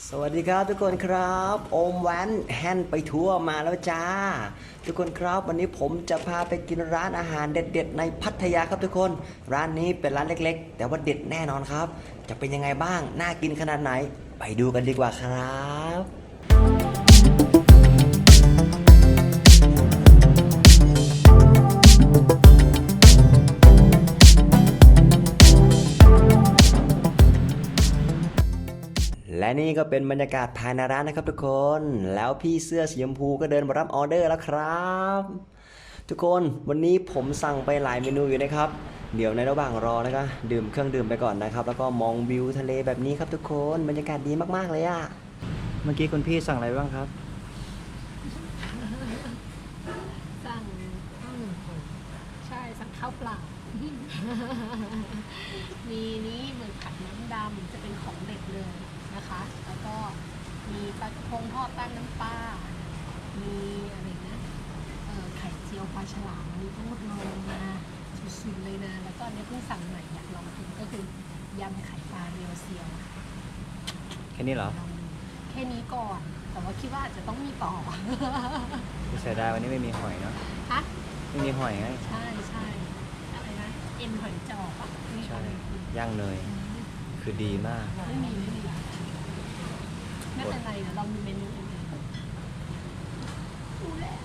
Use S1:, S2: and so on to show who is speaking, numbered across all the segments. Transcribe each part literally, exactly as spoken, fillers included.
S1: สวัสดีครับทุกคนครับโอมแวนแฮนไปทั่วมาแล้วจ้าทุกคนครับวันนี้ผมจะพาไปกินร้านอาหารเด็ดๆในพัทยาครับทุกคนร้านนี้เป็นร้านเล็กๆแต่ว่าเด็ดแน่นอนครับจะเป็นยังไงบ้างน่ากินขนาดไหนไปดูกันดีกว่าครับและนี่ก็เป็นบรรยากาศภายในร้านนะครับทุกคนแล้วพี่เสื้อสีชมพูก็เดินมารับออเดอร์แล้วครับทุกคนวันนี้ผมสั่งไปหลายเมนูอยู่นะครับเดี๋ยวในระหว่างรอนะครับดื่มเครื่องดื่มไปก่อนนะครับแล้วก็มองวิวทะเลแบบนี้ครับทุกคนบรรยากาศดีมากๆเลยอะเมื่อกี้คุณพี่สั่งอะไรบ้างครับ
S2: สั่งข้าวหนึ่งคนใช่สั่งข้าวเปล่า มีนี้เหมือนผัดน้ำดำจะเป็นของเด็กเลยนะคะแล้วก็มีปลากระพงทอดแป้งน้ำปลามีอะไรนะเออไข่เจียวปลาฉลามมีทั้งหมดเลยนะสุดๆเลยนะแล้วก็เนี่ยเพิ่งสั่งใหม่อยากลองกินก็คือยำไข่ปลาเรียวเซียว
S1: แค่นี้เหรอ
S2: ลองดูแค่นี้ก่อนแต่ว่าคิดว่าอาจจะต้องมีต่อ
S1: เสียดายวันนี้ไม่มีหอยเนาะ
S2: ฮะ
S1: ไม่มีหอยไง
S2: ใช่ใช่อะไรนะเอ็นหอยจอบอ่ะมี
S1: ใช่
S2: อะไรกิน
S1: ย่างเนยคือดีมาก
S2: ไม่มีไม่มีไม่เป็นไรเดี๋ยวเรามีเมนูอื่นดูแล้ว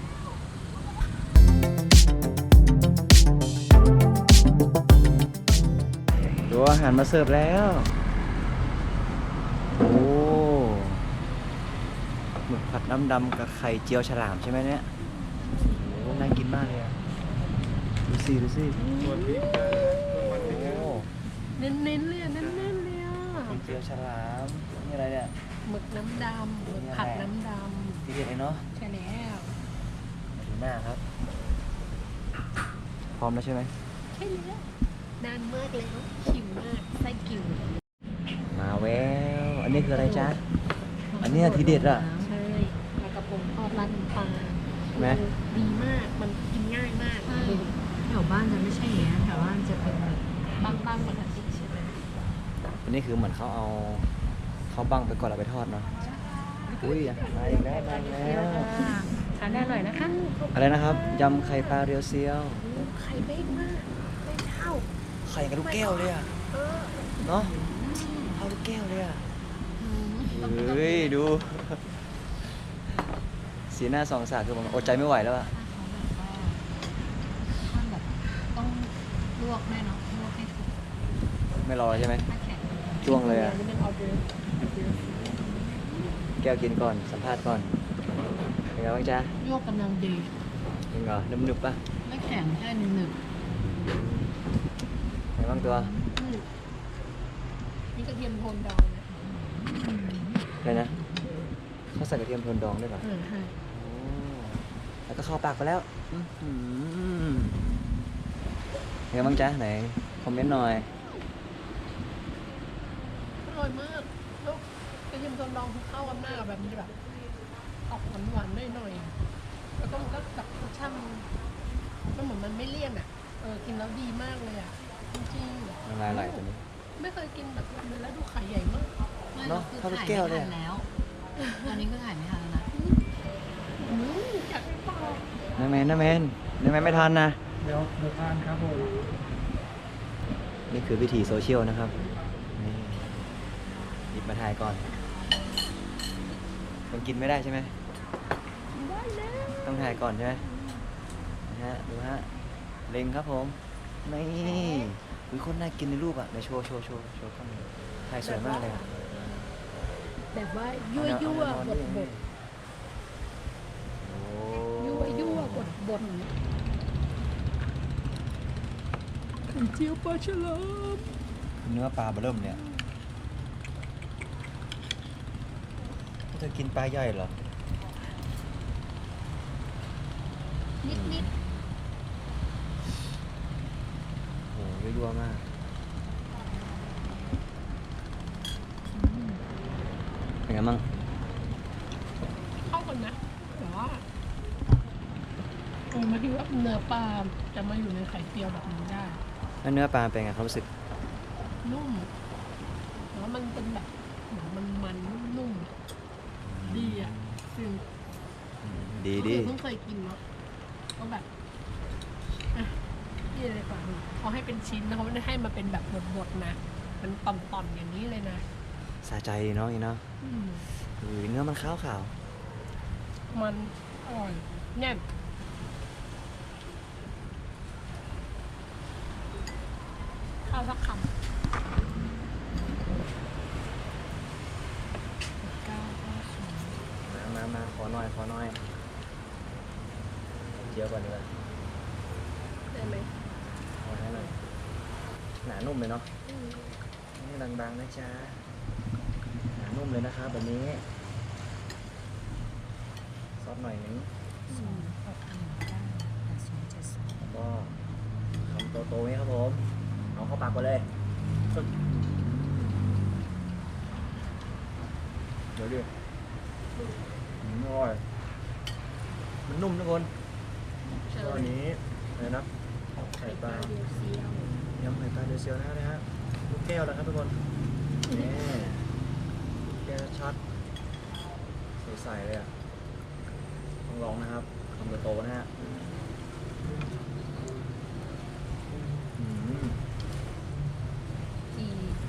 S1: ดูอาหารมาเสิร์ฟแล้วโอ้หมึกผัดน้ำดำกับไข่เจียวฉลามใช่ไหมเนี่ยโอ้น่ากินมากเลยอะดูสิดูสิโอ้
S2: เน้นๆเลยอะเน้นๆเลยอ่ะ
S1: ไข่เจียวฉลามนี่อะไรเนี่ย
S2: หมึกน้ำดำหมึกผัดน้ำด
S1: ทีเด็ดเลยเนาะ
S2: ำใช่แล้ว
S1: มาดูหน้าครับ พร้อมแล้วใช่ไหม
S2: ใช่แล้วนานมากแล้วหิวมากไส้กิ่ว
S1: มาแววอันนี้คืออะไรจ๊ะ อันนี้ทีเด็ดอะ
S2: ใช่ปลากระพงทอดราดน้ำปลา
S1: ใช่ไหม
S2: ดีมากมันกินง่ายมาก
S3: ใช่แถวบ้านจะไม่ใช่อย่างนี้ยแถวบ้านจะเป็นแบบ
S2: บางบางปกติใช่ไหม
S1: อันนี้คือเหมือนเขาเอาเขาบังไปก่อนแล้วไปทอดเนาะอุ้ยมาอีกแล้วมาอีกแล้ว
S2: ทานได้อร่อยนะคะ
S1: อะไรนะครับยำไข่ปลาเรียวเซียว
S2: ไข่เบ้งมากเบ้งเท่า
S1: ไข่กับลูกแก้วเลยอะ
S2: เออ
S1: เนาะเท่าลูกแก้วเลยอะ
S2: อืม
S1: เฮ้ยดูสีหน้าสองสาวคือผมอดใจไม่ไหวแล้วอะ
S3: ถ้าแบบต้องลวกแม่เนาะลวกให้ถูก
S1: ไม่รอใช่ไหม
S3: ถ้าแข็ง
S1: จ้วงเลยอะ
S2: นี่เป็นออเดอร์
S1: แก้วกินก่อนสัมภาษณ์ก่อนเป็นไงบ้างจ๊ะ
S2: ลวกกำลังดี
S1: เป็นไงนุ่มหนึบปะ
S3: ไม่แข็งแค่หนึ่งหนึ่ง
S1: เป็นไงบ้างตัว
S2: อืมนี่กระเทียมโทนดองนะ
S1: อะไรนะเขาใส่กระเทียมโทนดองด้วยเหรอ
S2: เออใช่
S1: โอ้แล้วก็เข้าปากไปแล้วอื้อหือเป็นไงบ้างจ๊ะไหนคอมเมนต์หน่อย
S2: อร่อยมากแล้วกระเทียมโทนดองเข้ากันหน้าแบบนี้แบบออกหวานๆหน่อยๆแล้วก็มันก็กับรสชาติมันมันเหมือนมันไม่เลี่ยนอ่ะเออกินแล้วดีมากเลยอ่ะจริงๆ
S1: น้ำลายไหลตัวนี้
S2: ไม่เคยกินแบบนี้แล้วดูไข่ใหญ่มาก
S3: ไม่
S1: เนอะ
S3: คือ
S1: เท่าลูก
S3: ถ่าย
S1: แก้ว
S3: ไม่
S1: เลย
S3: ทั
S1: อะ
S3: นแล้ว ตอนนี้คือถ่ายไม่ทันแล้วนะ
S2: อืมอยากไปต่อ
S1: น้าแมนน้าแมนน้าแมนไม่ทันนะ
S4: เดี๋ยวเดี๋ยวทานครับผม
S1: นี่คือวิธีโซเชียลนะครับนี่หยิบมาถ่ายก่อนมันกินไม่ได้ใช่ไหม
S2: ได้แล้ว
S1: ต้องถ่ายก่อนใช่ไหมนะฮะดูฮะเล็งครับผมนี่คือคนน่ากินในรูปอ่ะในโชว์โชว์โชว์โชว์ข้างในถ่ายสวยมากเลยอะ
S2: แบบว่ายั่วยั่วบดบด
S1: โอ้
S2: ยั่วยั่วบดบดไข่เจียวปลาฉลาม
S1: เนื้อปลาเบอเริ่มเนี่ยเธอกินปลาย่อยเหรอ
S2: นิดนิด
S1: โอ้โหยั่วๆมากเป็นไงบ้าง
S2: เข้ากันนะแต่ว่าเออมาที่ว่าเนื้อปลาจะมาอยู่ในไข่เจียวแบบนี้ได้
S1: แล้วเนื้อปลาเป็นไงความรู้สึก
S2: นุ่มแล้วมันเป็นแบบเหมือนมันมันๆนุ่มๆอะดีอ่ะคือ
S1: ดีดี
S2: คือเพิ่งเคยกินเนาะก็แบบอ่ะนี่เลยกว่าเขาให้เป็นชิ้นนะเขาไม่ได้ให้มาเป็นแบบบดๆนะมันต่อมๆอย่างนี้เลยนะ
S1: สะใจดีเนาะอีเนาะ
S2: อืม
S1: อุ้ยเนื้อมันขาวขาว
S2: มันอร่อยแน่นข้าวสักคำก้าวข้าวสวย
S1: มามามาขอหน่อยขอหน่อยเจียวก่อนดีกว่า
S2: ได้ไหม
S1: ขอให้หน่อยหนานุ่มเลยเนาะ
S2: อืม
S1: นี่บางๆนะจ๊ะหนานุ่มเลยนะครับแบบนี้ซอสหน่อยนึง
S3: สองหกหนึ่งเก้าแปดศูนย์เจ็ดสอง
S1: แล้วก็คำโตๆนี้ครับผมเอาเข้าปากไปเลยปึ๊บเดี๋ยวดิอืมอร่อยมันนุ่มทุกคน
S2: เชิ
S1: ตัว
S2: ญ
S1: นี้อะไรนะไข่
S2: ไข่
S1: ป
S2: ป
S1: ลา
S2: ลาเดียวเซียวย
S1: ำไข่ปลาเดยวเซียวนะฮะลูกแก้วนะครับทุกคนนี่ลูกแก้วชัดใสๆเลยอ่ะต้องลองนะครับคำโตๆนะฮะอืม
S2: จี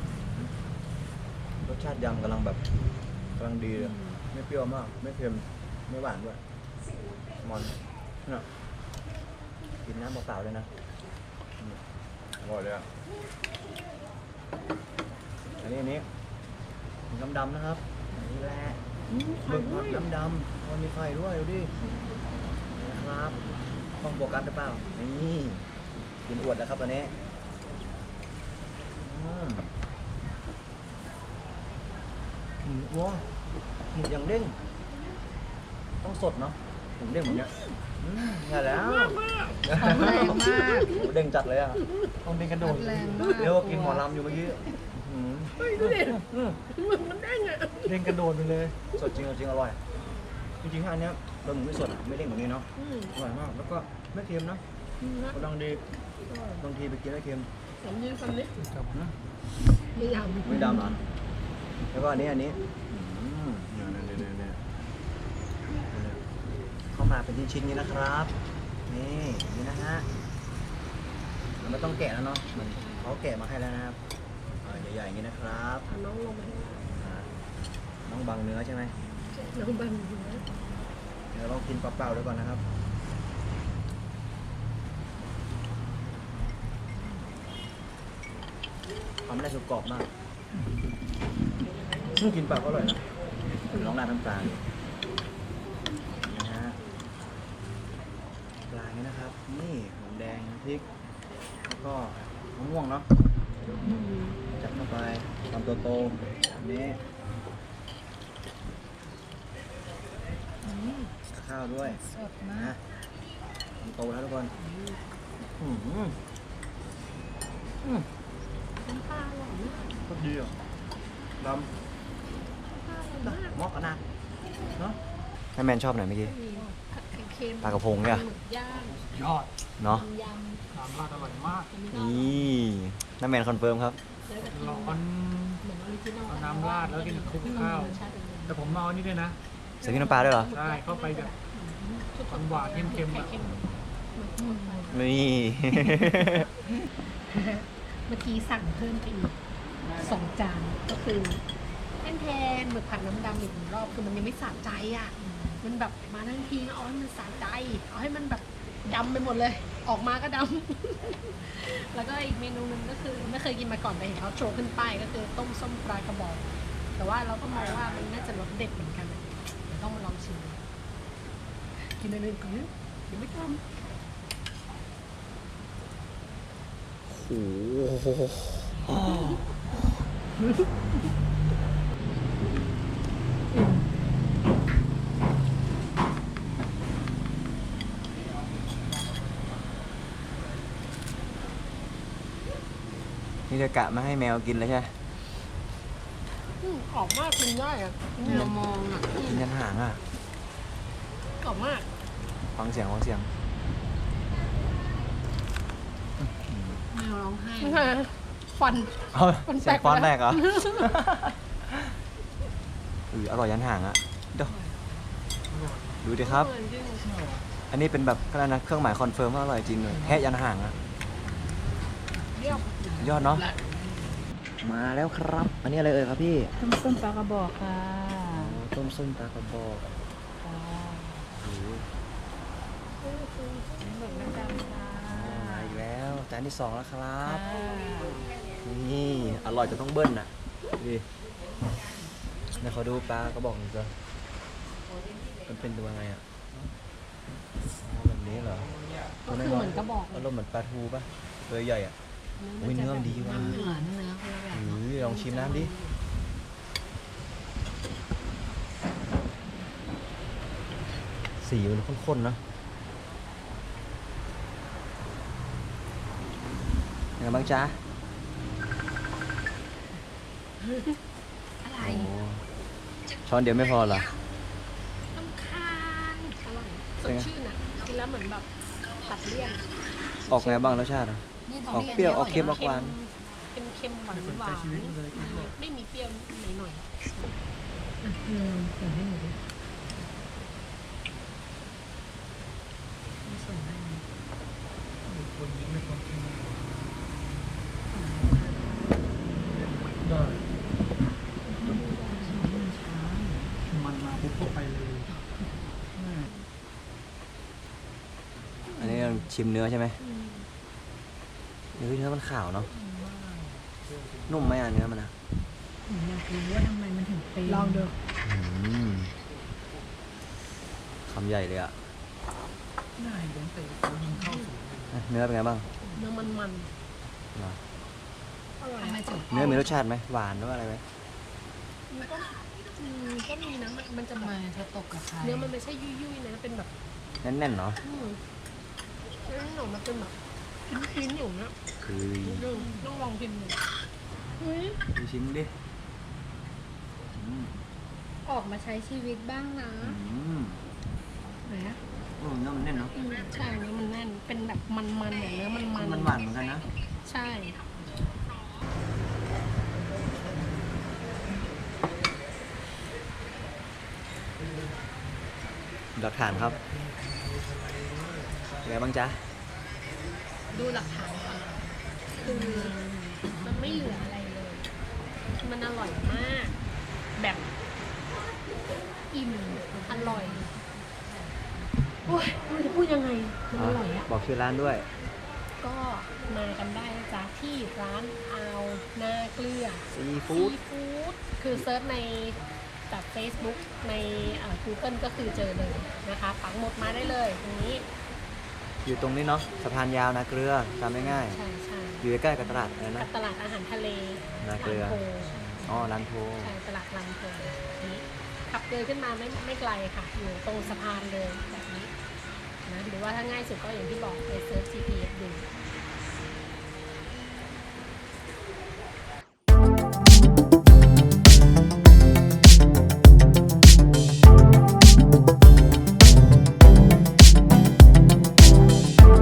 S1: รสชาติยำกำลังแบบกำลังดีเลยไม่เปรี้ยวมาก ไม่เค็มไม่หวานด้วยมอนเนี่ยกินน้ำเปล่าๆเลยนะอืมอร่อยเลยอ่ะอันนี้อันนี้น้ำดำนะครับอันนี้แหละ
S2: อืม
S1: หมึกผัดน้ำดำมันมีไฟด้วยดูดินี่นะครับต้องโฟกัสหรือเปล่านี่กินอวดแล้วครับตอนนี้อืมหมูว้าหมูยังเด้งต้องสดเนาะหมูเด้งแบบเนี้ยอืมใช่แล้ว
S3: ของแรงมาก
S1: หมูเด้งจัดเลยอ่ะต้องเด้งกระโดด
S3: แรงมาก
S1: เรียกว่ากินหมอลำอยู่เมื่อกี้อื้อ
S2: เฮ้ยดูดิ
S1: หือ
S2: มึงมันเด้งอ่ะ
S1: เด้งกระโดดไปเลย สดจริงจริงอร่อย จริงๆถ้าอันเนี้ยเราหมูไม่สดอะไม่เด้งแบบนี้เนาะ
S2: อืม
S1: อร่อยมาก แล้วก็ไม่เค็มนะ
S2: อืมนะ
S1: กำลังดีบางทีไปกินแล้วเค็ม
S2: สำเนียงคำนี้
S1: นะ
S2: ไม่ยำ
S1: ไม่ดำเหรอแล้วก็อันนี้อันนี้อืมเนี่ยเนี่ยเนี่ยเนี่ยเนี่ยเข้ามาเป็นชิ้นๆนี้นะครับ นี่อย่างนี่นะฮะเราไม่ต้องแกะแล้วเนาะเหมือนเขาแกะมาให้แล้วนะครับอ่าใหญ่ๆอย่างนี้นะครับ
S2: เอาน้องลงมาให้
S1: อ่าน้องบังเนื้อใช่ไหม
S2: น้องบันอยู่นะ
S1: เดี๋ยวลองกินเปล่าๆด้วยก่อนนะครับทำไม่ได้สุกกรอบมากอืมกินเปล่าก็อร่อยนะลองราดน้ำปลาดูนะฮะปลาอย่างนี้นะครับ นี่หอมแดงพริก แล้วก็มะม่วงเนาะ
S2: อืม
S1: จัดเข้าไปทำโตๆอันนี้
S3: อืม
S1: ข้าวด้วย
S3: สดมา
S1: นะ
S3: ก
S1: ทำโตแล้วทุกคนอืมอืมอืม
S2: น้ำปลาอร่อยมาก
S1: ก็ดีอ่ะด
S2: น้ำปลาอร่อย
S1: ำ
S2: มาก
S1: มอกกันนะเนาะให้แมนชอบไหนเมื่อกี้
S2: มีผัดไข่เค็ม
S1: ปลากระพงเนี่ย
S2: หมึกย่าง
S4: ยอด
S1: เนาะ
S2: ยำ
S4: สามราดอร่อยมาก
S2: อันนี้ก็
S1: นี่น้าแมนคอนเฟิร์มครับ
S2: แล้วก็กิน
S4: ร้อน
S2: เหมือนออริจินอล
S4: เอาน้ำราดแล้วกินกับคลุกข้าว
S2: ใช่เป็นอย่างนั้น
S4: แต่ผมเอาอันนี้ด้วยนะ
S1: ใส่พริกน้ำปลาด้วยเหรอ
S4: ใช่เข้าไปแบบหวานๆเค็มๆ
S2: ไข่
S4: อะ
S2: เค็ม
S1: นี่
S2: เมื่อกี้สั่งเพิ่มไปอีกสองจานก็คือแทนแทนหมึกผัดน้ำดำอีกหนึ่งรอบคือมันยังไม่สะใจอ่ะ มันแบบมาทั้งทีเอาให้มันสะใจ เอาให้มันแบบดำไปหมดเลย ออกมาก็ดำ แล้วก็อีกเมนูหนึงก็คือไม่เคยกินมาก่อนแต่เห็นเขาโชว์ขึ้นป้ายก็คือต้มส้มปลากระบอก แต่ว่าเราก็มองว่ามันน่าจะรสเด็ดเหมือนกันอะเดี๋ยวต้องมาลองชิมกินอันอื่นก่อนนะเดี๋ยวไม่ทำ
S1: โอ้โหนี่จะกะมาให้แมวกินเลยใช่ไหม
S2: อืมกรอบมากกินได้อะ
S3: แมวมองอ่ะ
S1: กินยันหางอ่ะ
S2: กรอบมาก
S1: ฟังเสียงฟังเสียง
S3: แมวร้องไห้
S2: ไม่ใช่ฟัน
S1: เอา
S2: มันแต
S1: เสีย
S2: ก
S1: ง
S2: ไป
S1: ฟอน
S2: แล้ว
S1: แรกเหรอ
S2: อ
S1: อืออร่อยยันห่างอะเดี๋ยวดูดิครับ
S2: เหมือนจริง
S1: อันนี้เป็นแบบอะไรนะเครื่องหมายคอนเฟิร์มว่าอร่อยจริงเลยแค่ยันห่างอะ
S2: เรียบ
S1: ยอดเนาะมาแล้วครับ อันนี้อะไรเอ่ยครับพี่
S3: ต้มส้มปลากระบอกค่ะ
S1: ต้มส้มปลากระบอกโอ้โห
S3: หมึกน้ำดำค่ะ
S1: มาอีกแล้วจานที่สองแล้วครับ
S3: ค่ะ
S1: นี่อร่อยจะต้องเบิ้ลน่ะดิเดี๋ยวเขาดูปลากระบอกหน่อยจ้ะมันเป็นตัวไงอ่ะอ๋อแบบนี้เหรอ
S2: ก็คือเหมือนกระบอก
S1: อารมณ์เหมือนปลาทูป่ะตัวใหญ่อ่ะอุ้ยเนื้อมันดีว่ะ
S3: เหมือนเนื้อคนละแบบ
S1: อุ้ยลองชิมน้ำดิสีมันข้นๆเนอะยังไงบ้างจ๊ะ
S2: อะไร
S1: โอ้ช้อนเดียวไม่พอเหรอ
S2: น้ำคานอร่อยสดชื่นอ่ะกินแล้วเหมือนแบบตัดเลี่ยน
S1: ออกไงบ้างรสชาติอะ
S3: นี่
S1: ออกเปรี้ยวออกเค็มออกหวาน
S2: เป็นเค็มหวานหวานไม่มีเปรี้ยวหน่อย
S3: อืมเดี๋ยวให้หนูดูส่งให้
S4: คนยิ้มไม่คนกินได้มันมาปุ๊บก็ไปเลย
S1: อันนี้เราชิมเนื้อใช่ไหมเนื้อเนื้อมันขาวเนาะนุ่มไหมอ่ะเนื้อมันอ่ะ
S3: หนูอยากรู้ว่าทำไมมันถึงเป็น
S2: ๆลองดู
S1: อืมคำใหญ่เลยอ่ะ
S4: ง่ายเดินเตะคนยิงเข้าสู่
S1: เนื้อเป็นไงบ้าง
S2: เนื้อมันมัน
S1: เหรอ
S2: ๆอร่อย
S3: ทำไมจุด
S1: เนื้อมีรสชาติไหมหวานหรือว่าอะไรไหม
S2: มันก็อืมก็มีนะมันมันจะ
S3: ทำ
S2: แบ
S3: ไม
S2: บ
S3: เธอตกกับใคร
S2: เนื้อมันไม่ใช่ยุ่ยๆนะเป็นแบบ
S1: แน่นๆเนาะ
S2: อืมเนื้อหนูมันเป็นแบบชิ้นๆอยู่นะ
S1: คือ
S2: ดูต้องลองกินดูเฮ้ย
S1: ดูชิ้นดิอืม
S2: ออกมาใช้ชีวิตบ้างนะ
S1: อืม
S2: ไหนอะ
S1: โอ้เนื้อมันแน่นเนาะ
S2: อืมใช่เนื้อมันแน่นเป็นแบบมันๆอย่างเนื้อมันๆ
S1: มันหวานเหมือนกันนะ
S2: ใช่
S1: หลักฐานครับเป็นไงบ้างจ๊ะ
S2: ดูหลักฐานก่อนคือมันไม่เหลืออะไรเลย มันอร่อยมาก แบบอิ่มอร่อยโอ้ยไม่รู้จะพูดยังไงมันอร่อยอะ
S1: บอกชื่อร้านด้วย
S2: ก็มากันได้นะจ๊ะที่ร้านอาวนาเกลือ
S1: ซี
S2: ซี
S1: ฟู้ด
S2: ฟู้ดคือเซิร์ชในจาก Facebook ในเอ่อ Google ก็คือเจอเลยนะคะปักหมดมาได้เลยตรงนี้
S1: อยู่ตรงนี้เนาะสะพานยาวนาเกลือจำง่าย
S2: ใช่ใช่
S1: ๆอยู่ใกล้ๆกับตลาดอะไร
S2: กั
S1: นะ
S2: บตลาดอาหารทะเล
S1: นาเกลือ
S2: ลำโพ
S1: อ๋อร้านโพ
S2: ใช่ตลาดลำโพนี้ขับเลยขึ้นมาไม่ไม่ไกลค่ะ อยู่ตรงสะพานเลยแบบนี้นะหรือว่าถ้าง่ายสุดก็อย่างที่บอกไปเซิร์ช จี พี เอส ดู